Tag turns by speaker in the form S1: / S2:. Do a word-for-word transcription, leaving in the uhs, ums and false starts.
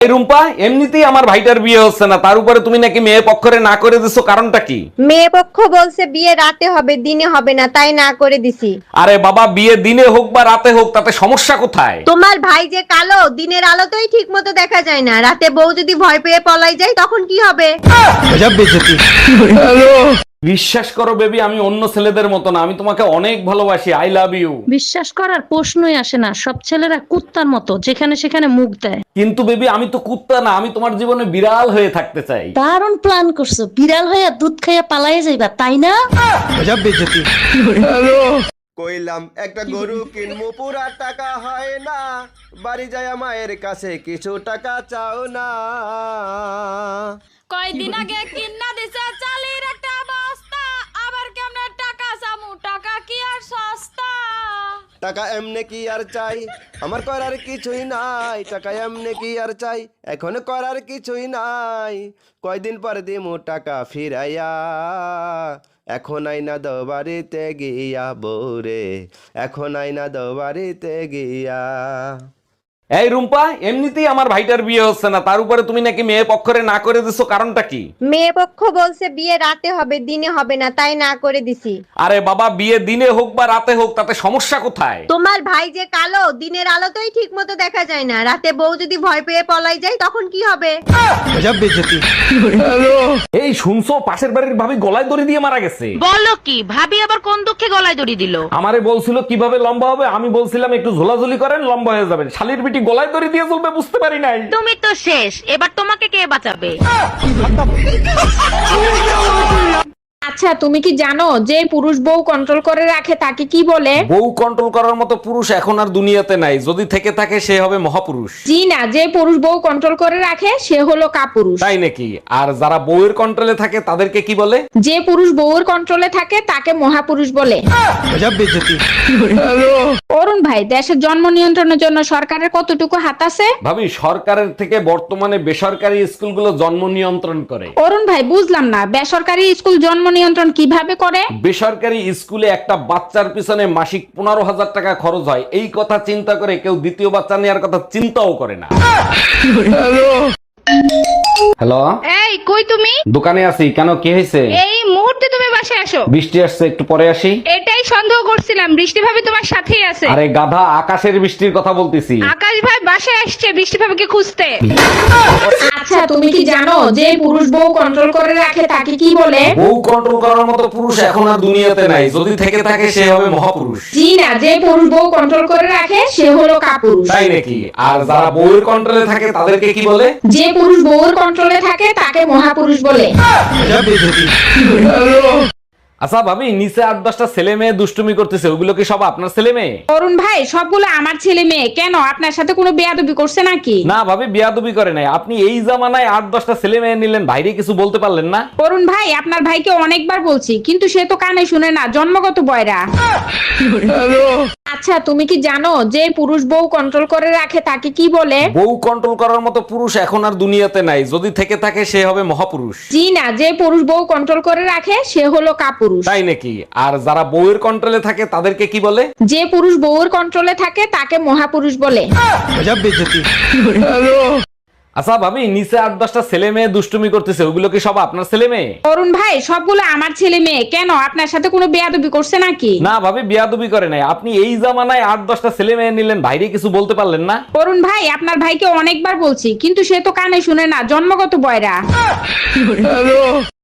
S1: এই রুম্পা, এমনিতেই আমার ভাইটার বিয়ে হচ্ছে না, তার উপরে তুমি নাকি মেয়ে পক্ষরে না করে দিছো, কারণটা কি?
S2: মেয়ে পক্ষ বলছে বিয়ে রাতে হবে দিনে হবে না, তাই না করে দিছি।
S1: আরে বাবা, বিয়ে দিনে হোক বা রাতে হোক তাতে সমস্যা কোথায়?
S2: তোমার ভাই যে কালো, দিনের আলোতেই ঠিক মতো দেখা যায় না, রাতে বউ যদি ভয় পেয়ে পলাই যায় তখন কি হবে?
S1: বিশ্বাস করো বেবি, আমি অন্য ছেলেদের মতো না, আমি তোমাকে অনেক ভালোবাসি। I love you.
S3: বিশ্বাস করার প্রশ্নই আসে না, সব ছেলেরা কুত্তার মতো যেখানে সেখানে মুখ দেয়।
S1: কিন্তু বেবি, আমি তো কুত্তা না, আমি তোমার জীবনে বিড়াল হয়ে থাকতে চাই।
S3: দারুণ প্ল্যান করছো, বিড়াল হইয়া দুধ খাইয়া পালাইয়া যাইবা, তাই না?
S4: কইলাম একটা গরু কিনবো, পুরা টাকা হয় না, বাড়ি যায় মায়ের কাছে কিছু টাকা চাও না।
S5: কয়দিন আগে কিন্না দিছে চালের একটা বস্তা, আবার কেমনে টাকা চামু, টাকা কি আর সস্তা?
S4: টাকা এমনে কি আর চাই, আমার করার কিছুই নাই, টাকা এমনে কি আর চাই, এখন করার কিছুই নাই, কয়দিন পর দিমু টাকা ফিরাইয়া, এখন আইনা দো বাড়িতে গিয়া বউরে, এখন আইনা দো বাড়িতে গিয়া।
S1: এই রুম্পা, এমনিতেই আমার ভাইটার বিয়ে হচ্ছে না, তার উপরে তুমি নাকি মেয়ে পক্ষরে না করে দিছো, কারণটা কি?
S2: মেয়ে পক্ষ বলছে বিয়ে রাতে হবে দিনে হবে না, তাই না করে দিছি।
S1: আরে বাবা, বিয়ে দিনে হোক বা রাতে হোক তাতে সমস্যা কোথায়?
S2: তোমার ভাই যে কালো, দিনের আলোতেই ঠিক মতো দেখা যায় না, রাতে বউ যদি ভয় পেয়ে পলাই যায় তখন কি হবে?
S1: এই শুনছো, পাশের বাড়ির ভাবি গলায় দড়ি দিয়ে মারা গেছে।
S6: বলো কি, ভাবি আবার কোন দুঃখে গলায় দড়ি দিল?
S1: আমারে বলছিল কিভাবে লম্বা হবে, আমি বলছিলাম একটু ঝোলাঝুলি করেন লম্বা হয়ে যাবেন, শালির বিটি গলায় দড়ি দিয়ে চলবে বুঝতে পারি নাই।
S6: তুমি তো শেষ, এবার তোমাকে কে বাঁচাবে?
S7: আচ্ছা, তুমি কি জানো যে পুরুষ বউ কন্ট্রোল করে রাখে তাকে কি বলে?
S1: বউ কন্ট্রোল করার মতো পুরুষ এখন আর দুনিয়াতে নাই, যদি থেকে থাকে সে হবে মহাপুরুষ।
S7: জি না, যে পুরুষ বউ কন্ট্রোল করে রাখে সে হলো কাপুরুষ।
S1: তাই নাকি? আর যারা বউয়ের কন্ট্রোলে থাকে তাদেরকে কি বলে?
S7: যে পুরুষ বউর কন্ট্রোলে থাকে তাকে মহাপুরুষ বলে। অরুণ ভাই, দেশের জন্ম নিয়ন্ত্রণের জন্য সরকারের কতটুকু হাত আছে?
S1: ভাবি, সরকারের থেকে বর্তমানে বেসরকারি স্কুলগুলো জন্ম নিয়ন্ত্রণ করে।
S7: অরুণ ভাই, বুঝলাম না, বেসরকারি স্কুল জন্ম নিয়ন্ত্রণ কিভাবে করে?
S1: বেসরকারি স্কুলে একটা বাচ্চার পিছনে মাসিক পনেরো হাজার টাকা খরচ হয়, এই কথা চিন্তা করে কেউ দ্বিতীয় বাচ্চা নেওয়ার কথা চিন্তাও করে না। হ্যালো,
S5: এই কই তুমি?
S1: দোকানে আছি, কেন কি হয়েছে?
S5: এই মুহূর্তে তুমি বাসায় আসো।
S1: বৃষ্টি আসছে, একটু পরে আসি।
S5: এটাই সন্দেহ করছিলাম, বৃষ্টি ভাবি তোমার সাথেই আছে।
S1: আরে গাধা, আকাশের বৃষ্টির কথা বলতেছি।
S5: আকাশ ভাই বাসায় আসছে বৃষ্টি ভাবিকে খুঁজতে।
S7: আচ্ছা, তুমি কি জানো যে পুরুষ বউ কন্ট্রোল করে রাখে তাকে কি বলে?
S1: বউ কন্ট্রোল করার মতো পুরুষ এখন আর দুনিয়াতে নাই, যদি থেকে থাকে সে হবে মহাপুরুষ।
S7: জি না, যে পুরুষ বউ কন্ট্রোল করে রাখে সে হলো কাপুরুষ।
S1: তাই নাকি? আর যারা বউয়ের কন্ট্রোলে থাকে তাদেরকে কি বলে?
S7: যে পুরুষ বউর কন্ট্রোলে থাকে তাকে মহাপুরুষ বলে।
S1: আচ্ছা ভাবি, নিচে আট দশটা ছেলে মেয়ে দুষ্টুমি করতেছে, ওগুলো কি সব আপনার ছেলে মেয়ে?
S7: অরুণ ভাই, সবগুলো আমার ছেলে মেয়ে। কেন, আপনার সাথে কোনো বেয়াদবি করছে নাকি?
S1: না ভাবি, বিয়াদবি করে নাই। আপনি এই জামানায় আট দশটা ছেলে মেয়ে নিলেন, বাইরে কিছু বলতে পারলেন না?
S7: অরুণ ভাই, আপনার ভাইকে অনেকবার বলছি, কিন্তু সে তো কানে শুনে না, জন্মগত বয়রা। আচ্ছা, তুমি কি জানো যে পুরুষ বউ কন্ট্রোল করে রাখে তাকে কি বলে?
S1: বউ কন্ট্রোল করার মতো পুরুষ এখন আর দুনিয়াতে নাই, যদি থেকে থাকে সে হবে মহাপুরুষ।
S7: জি না, যে পুরুষ বউ কন্ট্রোল করে রাখে সে হলো কাপুরুষ।
S1: তাই নাকি? আর যারা বউয়ের কন্ট্রোলে থাকে তাদেরকে কি বলে?
S7: যে পুরুষ বউর কন্ট্রোলে থাকে তাকে মহাপুরুষ বলে।
S1: আচ্ছা ভাবি, নিচে আট দশটা ছেলে মেয়ে দুষ্টুমি করতেছে, ওগুলো কি সব আপনার ছেলে মেয়ে?
S7: অরুণ ভাই, সবগুলো আমার ছেলে মেয়ে। কেন, আপনার সাথে কোনো বেয়াদবি করছে নাকি?
S1: না ভাবি, বিয়াদবি করে নাই। আপনি এই জামানায় আট দশটা ছেলে মেয়ে নিলেন, বাইরে কিছু বলতে পারলেন না?
S7: অরুণ ভাই, আপনার ভাইকে অনেকবার বলছি, কিন্তু সে তো কানে শুনে না, জন্মগত বয়রা।